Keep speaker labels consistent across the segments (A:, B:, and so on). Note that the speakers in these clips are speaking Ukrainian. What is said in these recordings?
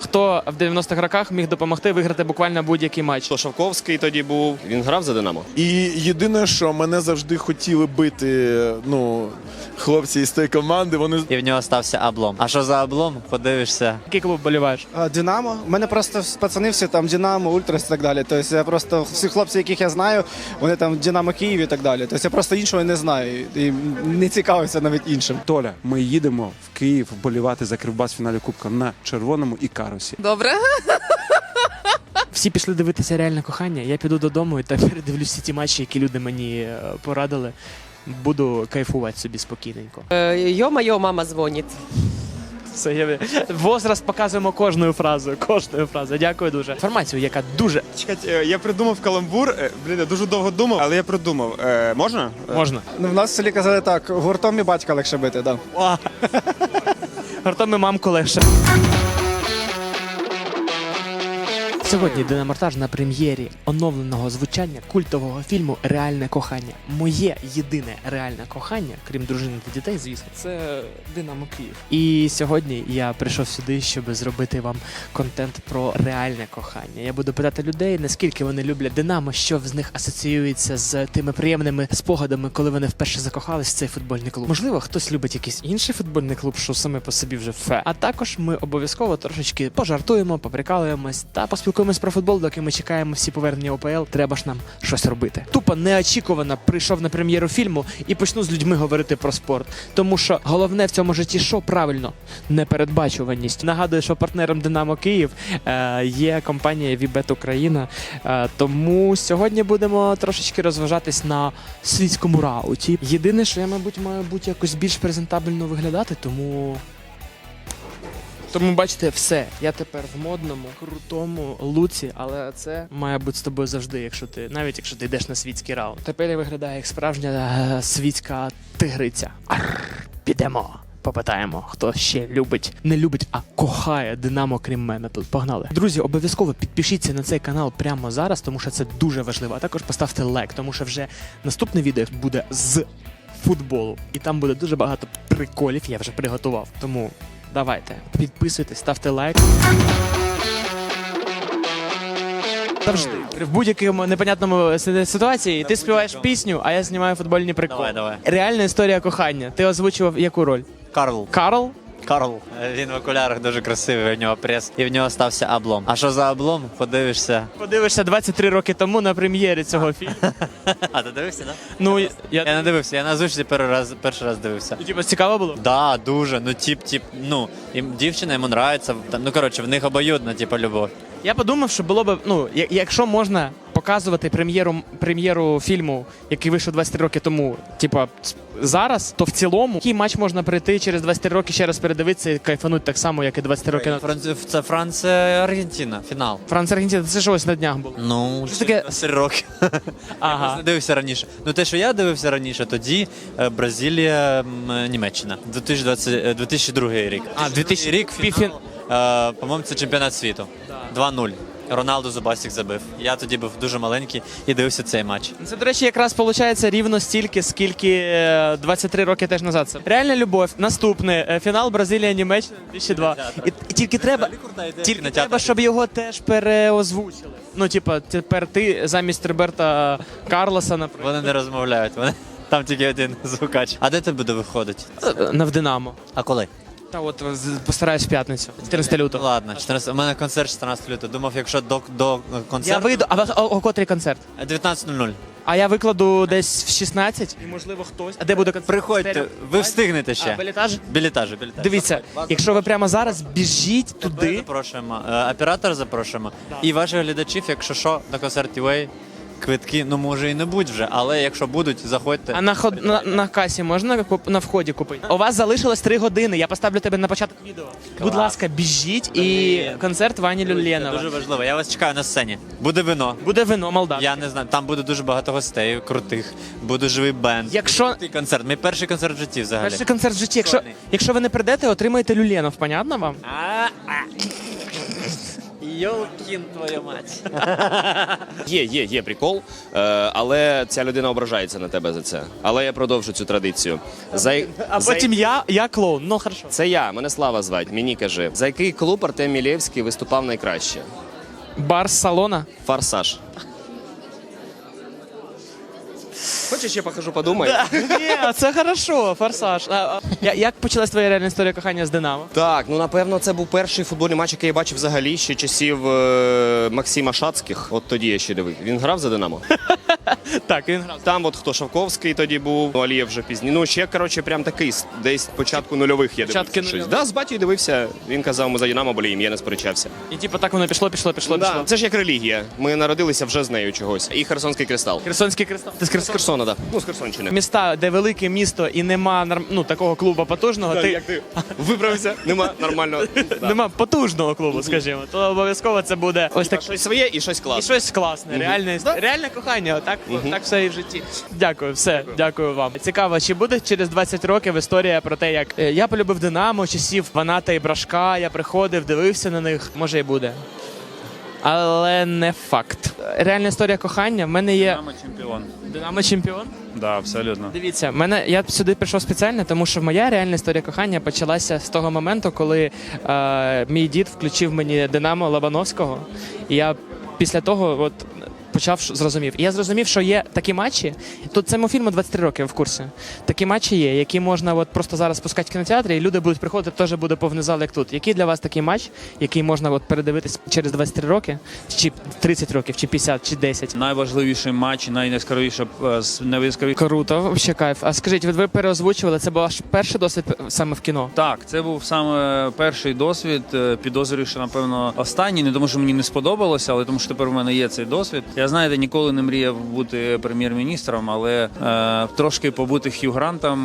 A: хто в 90-х роках міг допомогти виграти буквально будь-який матч.
B: Шовковський тоді був, він грав за «Динамо».
C: І єдине, що мене завжди хотіли бити, хлопці із тієї команди, вони...
D: І в нього стався облом. А що за облом? Подивишся.
A: Який клуб боліваєш?
E: Динамо. У мене просто пацани всі там Динамо, Ультрас і так далі. Тобто я просто всі хлопці, яких я знаю, вони там Динамо Київ і так далі. Тобто я просто іншого не знаю і не цікавився навіть іншим.
F: Толя, ми їдемо в Київ вболівати за Кривбас в фіналі Кубка на червоному і карусі.
G: Добре.
A: Всі пішли дивитися реальне кохання. Я піду додому і так передивлюсь всі ті матчі, які люди мені порадили. Буду кайфувати собі спокійненько.
G: Йо-моє, мама дзвонить.
A: Все, возраст показуємо кожною фразою. Дякую дуже. Інформацію, яка дуже...
B: Чекайте, я придумав каламбур, я дуже довго думав, але я придумав. Можна?
A: Можна.
E: Ну, в нас в селі казали так, гуртом і батька легше бити, так. Да.
A: Гуртом і мамку легше. Сьогодні демонтаж на прем'єрі оновленого звучання культового фільму «Реальне кохання». Моє єдине реальне кохання, крім дружини та дітей, звісно, це «Динамо Київ». І сьогодні я прийшов сюди, щоб зробити вам контент про реальне кохання. Я буду питати людей, наскільки вони люблять «Динамо», що з них асоціюється з тими приємними спогадами, коли вони вперше закохались в цей футбольний клуб. Можливо, хтось любить якийсь інший футбольний клуб, що саме по собі вже фе. А також ми обов'язково трошечки пожартуємо, поприкалуємось та поспілкуємося про футбол, доки ми чекаємо всі повернення ОПЛ, треба ж нам щось робити. Тупо неочікувано прийшов на прем'єру фільму і почну з людьми говорити про спорт. Тому що головне в цьому житті що? Правильно, непередбачуваність. Нагадую, що партнером «Динамо Київ» є компанія Вібет Україна. Тому сьогодні будемо трошечки розважатись на світському рауті. Єдине, що я, мабуть, маю бути якось більш презентабельно виглядати, тому, бачите, все. Я тепер в модному, крутому луці, але це має бути з тобою завжди, навіть якщо ти йдеш на світський раунд. Тепер я виглядаю як справжня світська тигриця. Підемо. Попитаємо, хто ще не любить, а кохає «Динамо» крім мене тут. Погнали. Друзі, обов'язково підпишіться на цей канал прямо зараз, тому що це дуже важливо. А також поставте лайк, тому що вже наступне відео буде з футболу. І там буде дуже багато приколів, я вже приготував. Тому давайте, підписуйтесь, ставте лайк. Завжди. В будь-якому непонятному ситуації ти співаєш пісню, а я знімаю футбольні приколи.
D: Давай.
A: Реальна історія кохання. Ти озвучував яку роль?
D: Карл.
A: Карл?
D: Карл. Він в окулярах дуже красивий, в нього прес. І в нього стався облом. А що за облом? Подивишся.
A: Подивишся 23 роки тому на прем'єрі цього фільму.
D: А ти дивився, так?
A: Ну,
D: Я не дивився, я на озвучці перший раз дивився.
A: Типа цікаво було?
D: Да, дуже. Дівчина йому нравиться. В них обоюдна, любов.
A: Я подумав, що було б, якщо можна показувати прем'єру фільму, який вийшов 23 роки тому, зараз, то в цілому, який матч можна прийти через 23 роки, ще раз передивитися і кайфануть так само, як і 23 роки назад.
D: Це Франція-Аргентина, фінал.
A: Франція-Аргентина, це ж ось на днях було.
D: Ну,
A: що таке?
D: 23 роки.
A: Ага.
D: Я просто дивився раніше. Те, що я дивився раніше, тоді Бразилія, Німеччина. 2002 рік.
A: 2000
D: рік фінал. По-моєму, це чемпіонат світу. 2-0. Роналду зубастик забив. Я тоді був дуже маленький і дивився цей матч.
A: Це, до речі, якраз виходить рівно стільки, скільки 23 роки теж назад. Це реальна любов. Наступне. Фінал Бразилія-Німеччина 2002. І тільки треба, щоб його теж переозвучили. Тепер ти замість Роберта Карлоса, наприклад.
D: Вони не розмовляють. Там тільки один звукач. А де ти буде виходити?
A: В «Динамо».
D: А коли?
A: Та постараюсь в п'ятницю, 14 лютого.
D: Ладно, у мене концерт 14 лютого. Думав, якщо до концерту...
A: Я вийду, о котрий концерт?
D: 19:00.
A: А я викладу десь в 16, і можливо хтось. А де буде концерт?
D: Приходьте, ви встигнете ще.
A: Білетаж?
D: Білетажі.
A: Дивіться, якщо ви прямо зараз біжіть туди.
D: Запрошуємо, оператора запрошуємо. І ваших глядачів, якщо що, на концерт UA, квитки, може і не будуть вже, але якщо будуть, заходьте.
A: А на касі можна на вході купити? У вас залишилось 3 години, я поставлю тебе на початок відео. Будь ласка, біжіть і концерт Вані Люленова.
D: Дуже важливо, я вас чекаю на сцені. Буде вино.
A: Буде вино, Молдавське.
D: Я не знаю, там буде дуже багато гостей крутих, буде живий бенд. Крутий концерт, мій перший концерт в житті взагалі.
A: Перший концерт в житті, якщо ви не прийдете, отримаєте Люленов, понятно вам?
D: Йолкін твою мать.
H: Є прикол, але ця людина ображається на тебе за це. Але я продовжу цю традицію.
A: А потім я клоун. Ну, хорошо.
H: Це я, мене Слава звать, мені кажи. За який клуб Артем Мілєвський виступав найкраще?
A: Бар з салона.
H: Форсаж. Хочеш, я покажу, подумай?
A: Ні, це хорошо, форсаж. Як почалась твоя реальна історія кохання з Динамо?
H: Так, ну напевно, це був перший футбольний матч, який я бачив взагалі ще часів Максима Шацьких. От тоді я ще дивив. Він грав за Динамо?
A: Так, він грав.
H: Там от хто Шавковський тоді був, Алієв вже пізніше. Ну, ще, коротше, прям такий, десь початку нульових я
A: Початки
H: дивився.
A: нульових.
H: Да, з батьком дивився. Він казав, ми за Динамо боліємо, я не сперечався.
A: І типу так воно пішло.
H: Да, це ж як релігія. Ми народилися вже з нею чогось. І Херсонський кристал.
A: Херсонський кристал. Ти з
H: З Херсона, так. Ну, з Херсонщини.
A: Міста, де велике місто і нема такого клубу потужного,
H: Як ти виправився? Нема нормального. Да.
A: нема потужного клубу, скажімо, то обов'язково це буде ось так.
H: Щось своє і щось
A: І
H: класне.
A: щось класне, реальне кохання, так все і в житті. Дякую, все, дякую вам. Цікаво, чи буде через 20 років історія про те, як я полюбив Динамо, часів Ваната і Брашка, я приходив, дивився на них, може і буде. Але не факт. Реальна історія кохання в мене є.
I: Динамо чемпіон.
A: Динамо чемпіон?
I: Да, абсолютно.
A: Дивіться, я сюди прийшов спеціально, тому що моя реальна історія кохання почалася з того моменту, коли мій дід включив мені Динамо Лобановського, і я після того зрозумів. І я зрозумів, що є такі матчі, тут цьому фільму 23 роки, в курсі. Такі матчі є, які можна просто зараз пускати в кінотеатрі, і люди будуть приходити, теж буде повний зал, як тут. Який для вас такий матч, який можна передивитись через 23 роки, чи 30 років, чи 50, чи 10?
I: Найважливіший матч, найяскравіше.
A: Круто, взагалі кайф. А скажіть, ви переозвучували, це був ваш перший досвід саме в кіно?
I: Так, це був саме перший досвід. Підозрюю, що, напевно, останній. Не тому, що мені не сподобалося, але тому, що тепер в мене є цей досвід. Я, знаєте, ніколи не мріяв бути прем'єр-міністром, але трошки побути Хью Грантом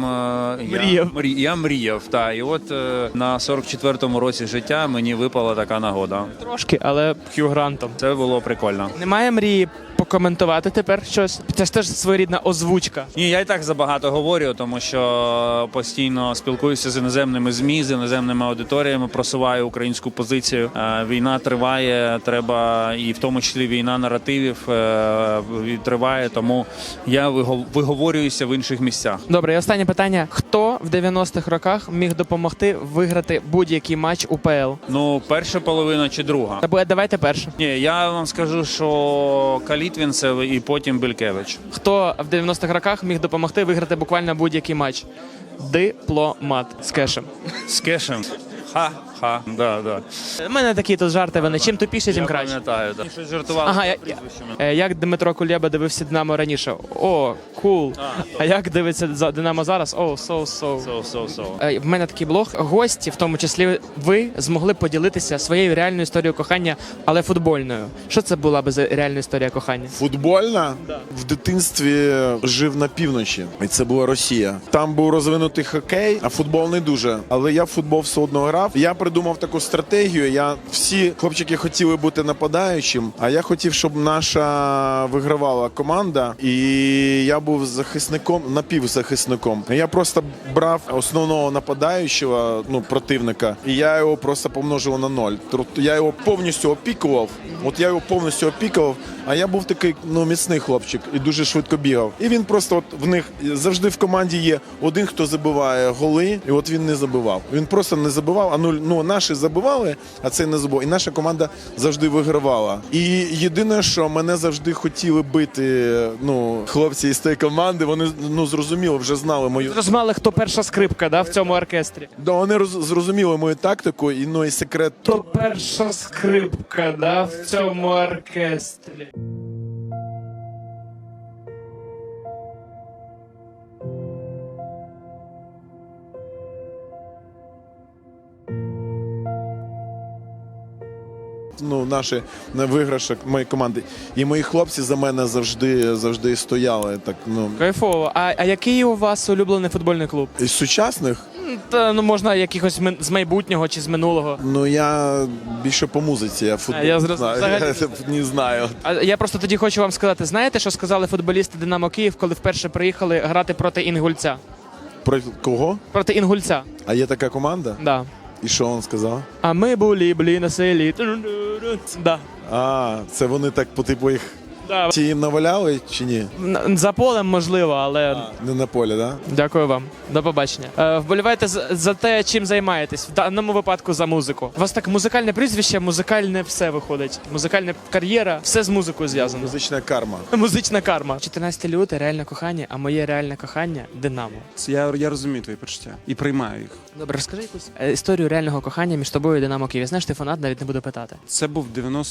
I: я мріяв. Та. І от на 44-му році життя мені випала така нагода.
A: Трошки, але Хью Грантом.
I: Це було прикольно.
A: Немає мрії покоментувати тепер щось? Це ж теж своєрідна озвучка.
I: Ні, я і так забагато говорю, тому що постійно спілкуюся з іноземними ЗМІ, з іноземними аудиторіями, просуваю українську позицію. Війна триває, треба, і в тому числі війна наративів триває, тому я виговорююся в інших місцях.
A: Добре, і останнє питання. Хто в 90-х роках міг допомогти виграти будь-який матч УПЛ?
I: Ну, перша половина чи друга?
A: Давайте перше.
I: Ні, я вам скажу, що Калітвінцев і потім Белькевич.
A: Хто в 90-х роках міг допомогти виграти буквально будь-який матч? Дипломат з кешем.
I: З кешем. Ха-ха, да.
A: У мене такі тут жарти, вони чим тупіше, тим
I: Я
A: краще.
I: пам'ятаю, так. Щось жартували.
A: Ага, як Дмитро Кулєба дивився Динамо раніше? О, кул. А як дивиться Динамо зараз? О, so. В мене такий блог. Гості, в тому числі ви, змогли поділитися своєю реальною історією кохання, але футбольною. Що це була би за реальна історія кохання?
C: Футбольна? В дитинстві жив на півночі, і це була Росія. Там був розвинутий хокей, а футбол не дуже. Але я в футбол все одно грав. Я придумав таку стратегію. Всі хлопчики хотіли бути нападаючим, а я хотів, щоб наша вигравала команда, і я був захисником, напівзахисником. Я просто брав основного нападаючого, противника, і я його просто помножив на 0. Тобто я його повністю опікував. А я був такий міцний хлопчик і дуже швидко бігав. І він просто в них завжди в команді є один, хто забиває голи, і от він не забивав. Він просто не забивав, наші забивали, а цей не забивав. І наша команда завжди вигравала. І єдине, що мене завжди хотіли бити, хлопці із тієї команди, вони зрозуміло, вже знали мою.
A: Зрозуміли, хто перша скрипка, в цьому оркестрі.
C: Да, вони зрозуміли мою тактику і секрет.
A: Хто перша скрипка, в цьому оркестрі.
C: Наші виграші моєї команди. І мої хлопці за мене завжди стояли.
A: Кайфово. А який у вас улюблений футбольний клуб?
C: Із сучасних?
A: Можна якихось з майбутнього чи з минулого.
C: Я більше по музиці, я футбол
A: я
C: не знаю.
A: А я просто тоді хочу вам сказати, знаєте, що сказали футболісти Динамо Київ, коли вперше приїхали грати проти Інгульця?
C: Про кого?
A: Проти Інгульця.
C: А є така команда?
A: Да.
C: І що він сказав?
A: А ми були на селі. Да.
C: А, це вони так по типу їх
A: Да.
C: ті їм наваляли чи ні?
A: За полем можливо, але
C: Не на полі, да?
A: дякую вам. До побачення. Вболівайте за те, чим займаєтесь. В даному випадку за музику. У вас так музикальне прізвище, музикальне все виходить. Музикальна кар'єра, все з музикою зв'язано.
C: Музична карма.
A: Музична карма. 14 лютого реальне кохання, а моє реальне кохання Динамо.
F: Я розумію твої почуття і приймаю їх.
A: Добре, розкажи якусь історію реального кохання між тобою і Динамо Київ. Я знаю, що ти фанат, навіть не буду питати.
F: Це був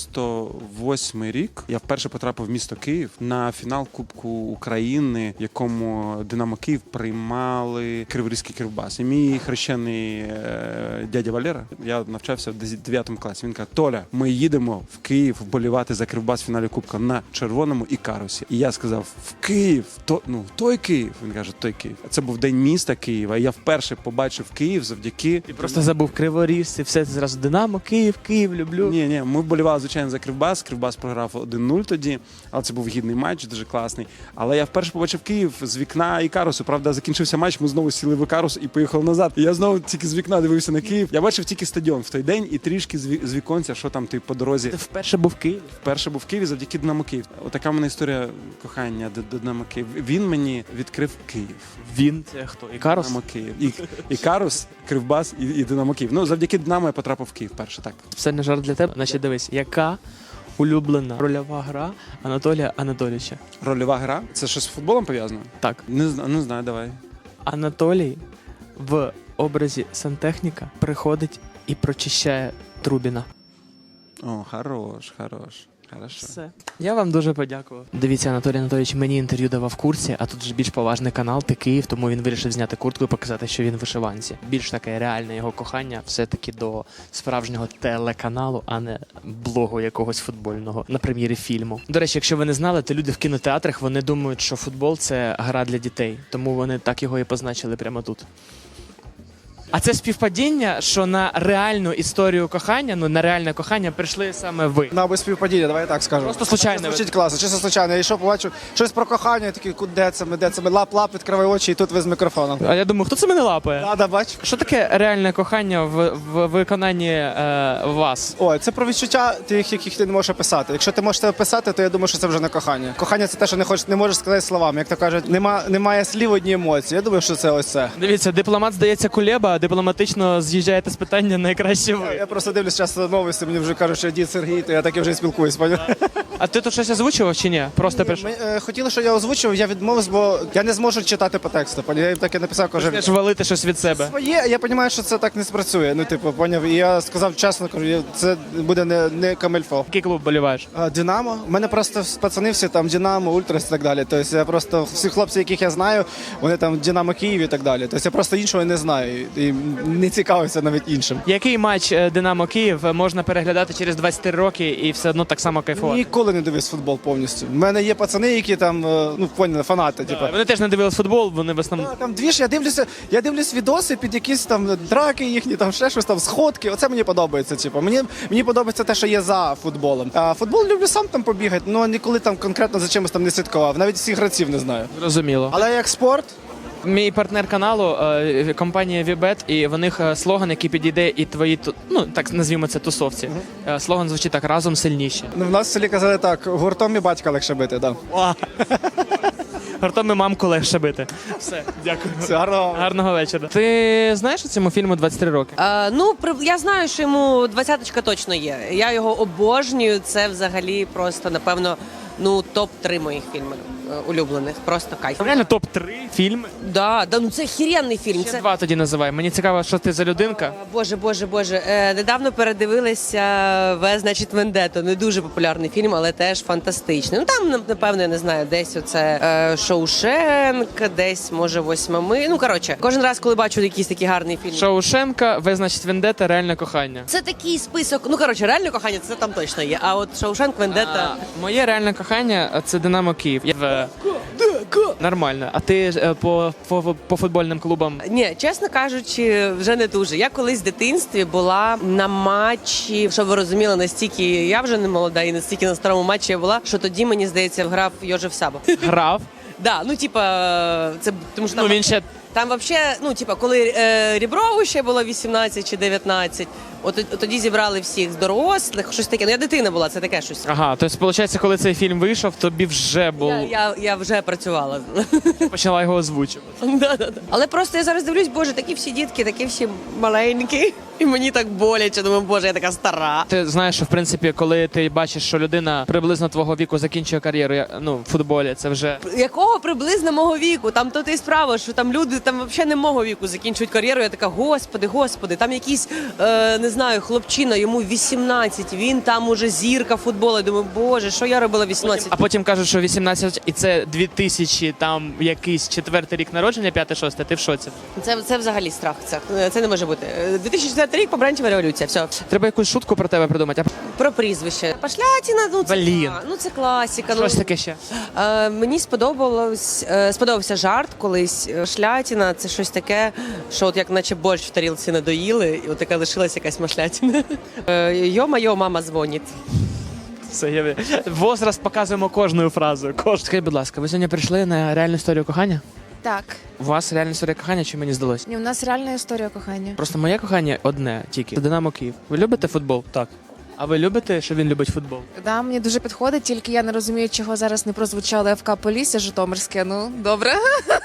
F: 98-й рік. Я вперше потрапив в місто Київ на фінал Кубку України, в якому Динамо Київ приймали Криворізький Кривбас. І мій хрещений дядя Валера, я навчався в 9 класі. Він каже: Толя, ми їдемо в Київ вболівати за Кривбас в фіналі Кубка на червоному Ікарусі. І я сказав: в Київ, той Київ. Він каже: той Київ. Це був день міста Києва. І я вперше побачив Київ завдяки.
A: Ти просто забув Криворіжці, все це зразу Динамо, Київ, люблю.
F: Ні, ми вболівали, звичайно, за Кривбас. Кривбас програв 1-0 тоді, але це був гідний матч, дуже класний. Але я вперше побачив Київ з вікна Ікарусу. Правда, закінчився матч, ми знову сіли в Ікарус і поїхали назад. І я знову тільки з вікна дивився на Київ. Я бачив тільки стадіон в той день і трішки з віконця, що там по дорозі.
A: Ти вперше був в Києві?
F: Вперше був в Києві завдяки Динамо Київ. Отака в мене історія кохання до Динамо Київ. Він мені відкрив Київ.
A: Він це хто? Ікарус?
F: Динамо Київ. Ікарус, Кривбас і Динамо Київ. Ну, завдяки Динамо я потрапив в Київ перше, так.
A: Все не жарт для тебе. Значить, дивись, яка улюблена рольова гра Анатолія Анатолійовича?
F: Рольова гра? Це щось з футболом пов'язано?
A: Так.
F: Не знаю, давай.
A: Анатолій в образі сантехніка приходить і прочищає Трубіна.
F: О, хорош. Хорошо.
A: Все. Я вам дуже подякував. Дивіться, Анатолій Анатолійович мені інтерв'ю давав в курсі, а тут ж більш поважний канал, ти Київ, тому він вирішив зняти куртку і показати, що він в вишиванці. Більш таке реальне його кохання все-таки до справжнього телеканалу, а не блогу якогось футбольного на прем'єрі фільму. До речі, якщо ви не знали, то люди в кінотеатрах, вони думають, що футбол – це гра для дітей, тому вони так його і позначили прямо тут. А це співпадіння, що на реальну історію кохання, на реальне кохання прийшли саме ви.
E: На без співпадіння, давай я так скажу.
A: Просто случайно.
E: Це звучить класно, чисто случайно. Я йшов, побачив щось про кохання, я такий, де це ми, лап, відкривай очі, і тут ви з мікрофоном.
A: А я думаю, хто це мене лапає?
E: Да, бач.
A: Що таке реальне кохання в виконанні вас?
E: Ой, це про відчуття тих, яких ти не можеш описати. Якщо ти можеш це описати, то я думаю, що це вже не кохання. Кохання це те, що не можеш сказати словами. Як то кажуть, немає слів, одні емоції. Я думаю, що це ось це.
A: Дивіться, дипломат, здається, Кулеба, а дипломатично з'їжджаєте з питання найкраще ви.
E: Я просто дивлюсь часто новості, мені вже кажуть, що дід Сергій, то я так і вже спілкуюсь.
A: А ти тут щось озвучував чи ні? Просто прийшов.
E: Ми хотіли, що я озвучив, я відмовився, бо я не зможу читати по тексту. Я їм так і написав, кажу.
A: Почнеш валити щось від себе.
E: Своє, я розумію, що це так не спрацює. Ну, типу, поняв. І я сказав чесно, кажу, це буде не камельфо.
A: Який клуб боліваєш?
E: Динамо. У мене просто пацани всі там Динамо, Ультрас і так далі. Тобто я просто всі хлопці, яких я знаю, вони там Динамо Київ і так далі. Тобто я просто іншого не знаю і не цікавився навіть іншим.
A: Який матч Динамо Київ можна переглядати через 23 роки і все одно так само кайфувати?
E: Ніколи не дивився футбол повністю. У мене є пацани, які там, ну, поняли, фанати. Типу.
A: Вони теж не дивились футбол, вони в основному.
E: Там дві ж, я дивлюсь відоси під якісь там драки їхні, там ще щось там, сходки. Оце мені подобається. Типу. Мені подобається те, що є за футболом. А футбол люблю сам там побігати, але ніколи там конкретно за чимось там не слідкував. Навіть всіх гравців не знаю.
A: Зрозуміло.
E: Але як спорт.
A: Мій партнер каналу компанія Вібет, і в них слоган, який підійде і твої, ну так назвімо це тусовці. Слоган звучить так: разом сильніші.
E: Ну, в нас в селі казали так: гуртом і батька легше бити, да.
A: Гуртом і мамку легше бити. Все, дякую.
E: Все,
A: Гарного вечора. Ти знаєш у цьому фільму 23 роки?
G: Я знаю, що йому 20-ка точно є. Я його обожнюю. Це взагалі просто, напевно, топ-3 моїх фільмів улюблених. Просто кайф.
A: Реально топ-3 фільми?
G: Да, ну це охеренний фільм.
A: Ще два тоді називай. Мені цікаво, що ти за людинка.
G: Боже. Недавно передивилися «В, значить, Вендетто». Не дуже популярний фільм, але теж фантастичний. Ну там, напевно, я не знаю, десь оце Шоушенк, десь, може, «Восьмими». Ну, коротше, кожен раз, коли бачу якийсь такий гарний фільм.
A: Шоушенка, «В, значить, Вендетта», реальне кохання.
G: Це такий список. Ну, коротше, реальне кохання, це там точно є. А от Шоушенк, Вендетта...
A: Моє реальне кохання – це Динамо Київ. Нормально. А ти по футбольним клубам?
G: Ні, чесно кажучи, вже не дуже. Я колись в дитинстві була на матчі, щоб ви розуміли, настільки я вже не молода і настільки на старому матчі я була, що тоді, мені здається, грав Йожеф Саба.
A: Грав?
G: Да, ну типа, це тому що
A: Ну
G: там...
A: він ще
G: Там взагалі, ну, типа, коли Ріброву ще було 18 чи 19, от тоді зібрали всіх дорослих, щось таке. Ну, я дитина була, це таке щось.
A: Ага, тобто, виходить, коли цей фільм вийшов, тобі вже
G: Я вже працювала.
A: почала його озвучувати.
G: Да. Але просто я зараз дивлюсь, боже, такі всі дітки, такі всі маленькі. І мені так боляче, думаю, боже, я така стара.
A: Ти знаєш, що в принципі, коли ти бачиш, що людина приблизно твого віку закінчує кар'єру, ну, в футболі, це вже
G: Якого приблизно мого віку? Там то і справа, що там люди там взагалі не мого віку закінчують кар'єру. Я така, господи, там якийсь, не знаю, хлопчина, йому 18, він там уже зірка футболу. Я думаю, боже, що я робила 18?
A: а потім кажуть, що 18 і це 2000, там якийсь 4-й рік народження, 5-6, ти в шоці.
G: Це взагалі страх. Це не може бути. 2004 рік, помаранчева революція. Все.
A: Треба якусь шутку про тебе придумати.
G: Про прізвище. Пошлятіна, ну це,
A: Блін.
G: це класика.
A: Щось таке ще.
G: Мені сподобався жарт колись. Шлятіна це щось таке, що от як наче борщ в тарілці надоїли, і от така лишилась якась машлятіна. Йо-майо, мама дзвонить.
A: Все, возраст показуємо кожною фразою. Скажіть, будь ласка, ви сьогодні прийшли на реальну історію кохання?
J: Так,
A: У вас реальна історія кохання, чи мені здалось?
J: ні, у нас реальна історія кохання.
A: Просто моє кохання одне тільки. Це Динамо Київ. Ви любите футбол?
I: Так.
A: А ви любите, що він любить футбол?
J: Да, мені дуже підходить, тільки я не розумію, чого зараз не прозвучало ФК Полісся Житомирське. Ну, добре.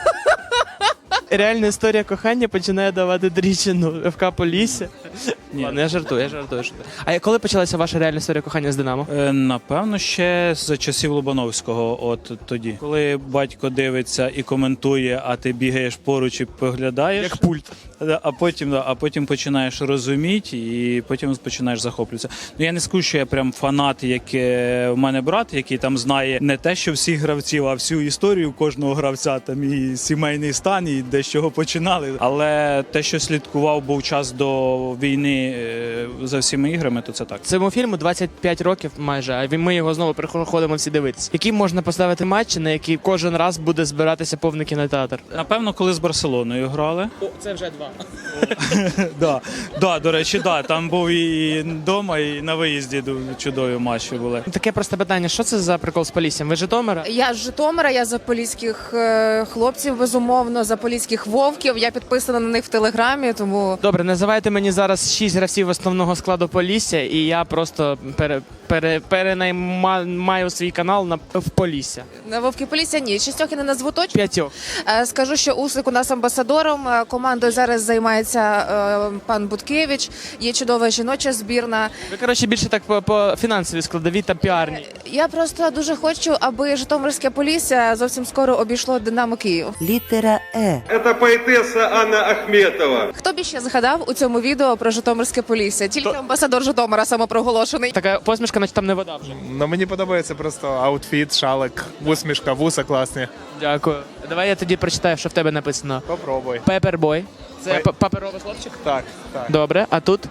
A: Реальна історія кохання починає давати дрічину ФК Полісся.
I: Ні.
A: Ладно, я жартую. А коли почалася ваша реальна історія кохання з Динамо?
K: Напевно, ще за часів Лобановського, от тоді. Коли батько дивиться і коментує, а ти бігаєш поруч і поглядаєш.
A: Як пульт.
K: А потім починаєш розуміти і потім починаєш захоплюватися. Ну я не скажу, що я прям фанат, як в мене брат, який там знає не те, що всіх гравців, а всю історію кожного гравця, там і сімейний стан, і де з чого починали. Але те, що слідкував, був час до війни за всіми іграми, то це так.
A: Цьому фільму 25 років майже, а ми його знову приходимо всі дивитися. Які можна поставити матчі, на які кожен раз буде збиратися повний кінотеатр?
K: Напевно, коли з Барселоною грали.
A: О, це вже 2.
K: До речі, там був і вдома, і на виїзді чудові матчі були.
A: Таке просте питання, що це за прикол з Поліссям? Ви з Житомира?
J: Я з Житомира, я за поліських хлопців, безумовно, за поліських вовків. Я підписана на них в Телеграмі, тому...
A: Добре, називайте мені зараз 6 гравців основного складу Полісся, і я просто перенаймаю свій канал в Полісся.
J: На Вовки Полісся ні, 6 я не назву точно.
A: 5.
J: Скажу, що Усик у нас амбасадором. Командою зараз займається пан Буткевич. Є чудова жіноча збірна.
A: Ви, коротше, більше так по фінансовій складовій та піарній.
J: Я просто дуже хочу, аби Житомирське Полісся зовсім скоро обійшло Динамо Київ.
L: Літера Е.
M: Це поетеса Анна Ахметова.
J: Хто б ще згадав у цьому відео про Житомирське Полісся? Тільки амбасадор Житомира самопроголошений.
A: Така посмішка, наче там не вода вже.
B: Ну мені подобається просто аутфіт, шалик, усмішка, вуса класні.
A: Дякую. Давай я тоді прочитаю, що в тебе написано.
B: Попробуй.
A: Пепербой. Це паперовий хлопчик?
B: Так.
A: Добре, а тут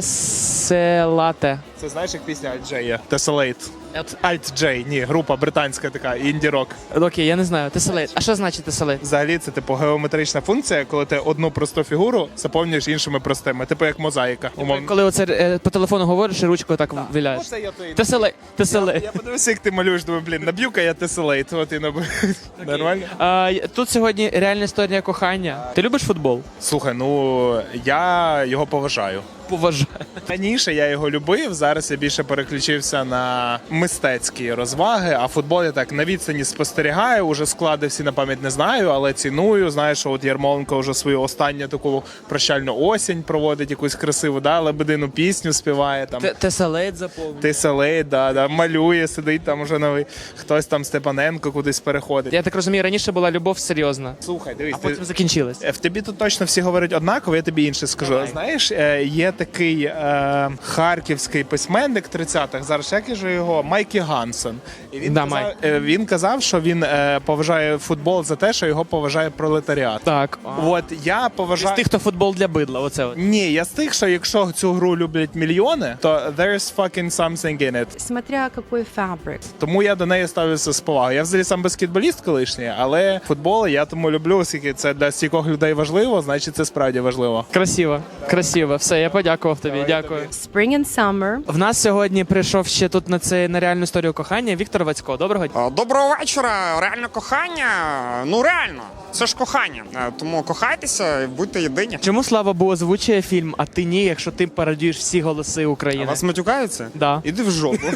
A: Теселате.
B: Це знаєш, як пісня Alt J є? Tessellate. Alt J, ні, група британська така, інді-рок.
A: Окей, я не знаю. Теселейт. А що значить теселейт?
B: Взагалі це типу геометрична функція, коли ти одну просту фігуру заповнюєш іншими простими. Типу як мозаїка. Умовно.
A: Коли оце по телефону говориш і ручкою так виляєш.
B: Оце я той.
A: Теселейт.
B: Я подивився, як ти малюєш, думаю, блін, наб'ю-ка я Tessellate. От і набив. Нормально?
A: Тут сьогодні реальна історія кохання. Ти любиш футбол?
B: Слухай, ну я його поважаю.
A: Поважаю.
B: Раніше я його любив, зараз я більше переключився на мистецькі розваги, а футбол я так на відстані спостерігаю, уже склади всі на пам'ять не знаю, але ціную. Знаєш, що от Ярмоленко вже свою останню таку прощальну осінь проводить, якусь красиву, лебедину пісню співає. Там.
A: Теселейт заповнює.
B: Теселейт, малює, сидить там уже новий. Хтось там Степаненко кудись переходить.
A: Я так розумію, раніше була любов серйозна.
B: Слухай, дивись,
A: а потім закінчилась.
B: В тобі тут точно всі говорять однаково, я тобі інше скажу.
A: Давай.
B: Знаєш, є такий харківський письменник 30-х, зараз як же його, Майкі Гансен. І він казав, що він поважає футбол за те, що його поважає пролетаріат.
A: Так.
B: От я поважаю...
A: З тих, хто футбол для бидла, оце от.
B: Ні, я з тих, що якщо цю гру люблять мільйони, то there's fucking something in it.
L: Смотря який фабрик.
B: Тому я до неї ставлюся з повагою. Я взагалі сам баскетболіст колишній, але футбол я тому люблю, оскільки це для стількох людей важливо, значить це справді важливо.
A: Красиво, красиво. Все, я подякував тобі. Дякую.
L: Spring and summer.
A: В нас сьогодні прийшов ще тут на реальну історію кохання Віктор Вацько. Доброго дня.
N: Доброго вечора. Реальне кохання. Ну реально, це ж кохання. Тому кохайтеся і будьте єдині.
A: Чому Слава Бу озвучує фільм, а ти ні, якщо ти пародіюєш всі голоси України?
N: А вас матюкаються?
A: Да.
N: Іди в жопу.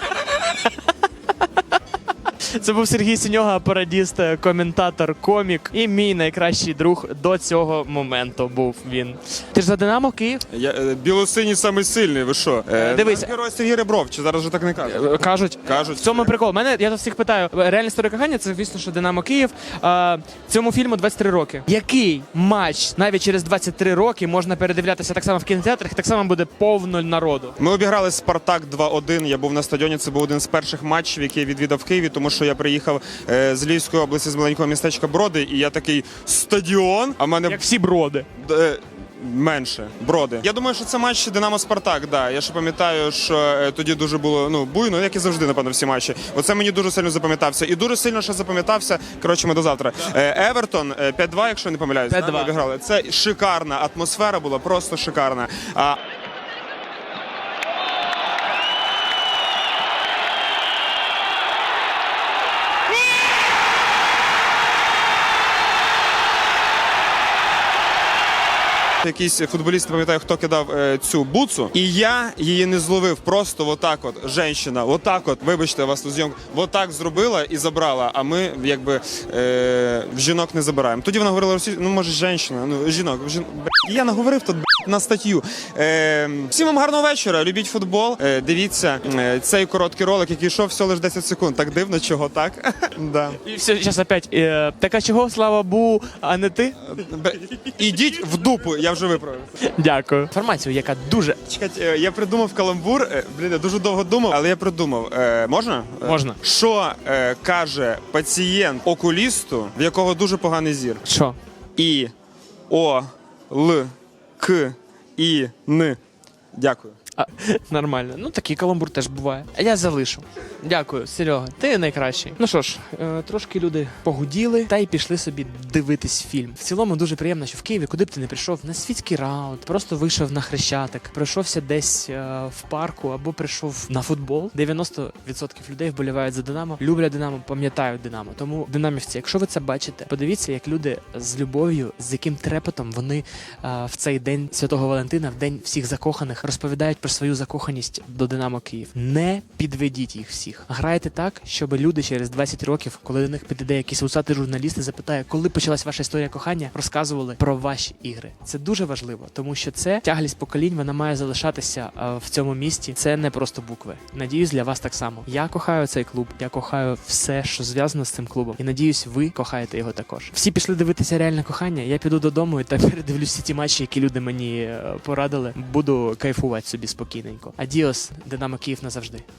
A: Це був Сергій Синьога, пародіст, коментатор, комік і мій найкращий друг до цього моменту був він. Ти ж за Динамо Київ?
N: Я білосиній самий сильний, ви що?
A: Дивись.
N: Герой Сергій Ребров, чи зараз вже так не кажуть?
A: Кажуть. В цьому прикол. Я всіх питаю, реальна історія кохання, це, звісно, що Динамо Київ. Цьому фільму 23 роки. Який матч навіть через 23 роки можна передивлятися так само в кінотеатрах, так само буде повно народу?
N: Ми обіграли Спартак 2-1, я був на стадіоні, це був один з перших матчів, який я відвідав в Києві, тому що я приїхав з Львівської області, з маленького містечка Броди, і я такий, стадіон, а в мене...
A: Як всі Броди.
N: Менше. Броди. Я думаю, що це матч Динамо-Спартак, да. Я ще пам'ятаю, що тоді дуже було, буйно, як і завжди, напевно, всі матчі. Оце мені дуже сильно запам'ятався. І дуже сильно ще запам'ятався, коротше, ми до завтра. Евертон 5-2, якщо не помиляюсь,
A: 5-2.
N: ми обіграли. Це шикарна атмосфера була, просто шикарна. Якийсь футболіст, не пам'ятаю, хто кидав цю буцу, і я її не зловив. Просто отак от, жінка, отак от, вибачте, вас тут зйомка, отак зробила і забрала, а ми, якби, в жінок не забираємо. Тоді вона говорила російською, може, жінок. Я наговорив тут, на статтю. Всім вам гарного вечора, любіть футбол, дивіться цей короткий ролик, який йшов всього лише 10 секунд. Так дивно, чого так? Да.
A: І все, зараз опять. Так а чого Слава Бу, а не ти?
N: Ідіть в дупу, я вже виправив.
A: Дякую. Інформацію, яка дуже...
N: Чекайте, я придумав каламбур, я дуже довго думав, але я придумав. Можна?
A: Можна.
N: Що каже пацієнт окулісту, в якого дуже поганий зір?
A: Що?
N: І, О, Л, К, І, Н. Дякую.
A: Нормально. Ну, такий каламбур теж буває. А я залишу. Дякую, Серега. Ти найкращий. Ну що ж, трошки люди погуділи та й пішли собі дивитись фільм. В цілому дуже приємно, що в Києві, куди б ти не прийшов, на світський раунд, просто вийшов на Хрещатик, пройшовся десь в парку або прийшов на футбол. 90% людей вболівають за Динамо, люблять Динамо, пам'ятають Динамо. Тому, динамівці, якщо ви це бачите, подивіться, як люди з любов'ю, з яким трепетом вони в цей день Святого Валентина, в день всіх закоханих, розповідають про свою закоханість до Динамо Київ. Не підведіть їх всіх. Грайте так, щоб люди через 20 років, коли до них підійде якийсь усатий журналіст і запитає, коли почалась ваша історія кохання, розказували про ваші ігри. Це дуже важливо, тому що це тяглість поколінь, вона має залишатися в цьому місті. Це не просто букви. Надіюсь, для вас так само. Я кохаю цей клуб, я кохаю все, що зв'язано з цим клубом. І надіюсь, ви кохаєте його також. Всі пішли дивитися реальне кохання. Я піду додому і так передивлюсь всі ті матчі, які люди мені порадили. Буду кайфувати собі спокійненько. Адіос, Динамо Київ назавжди.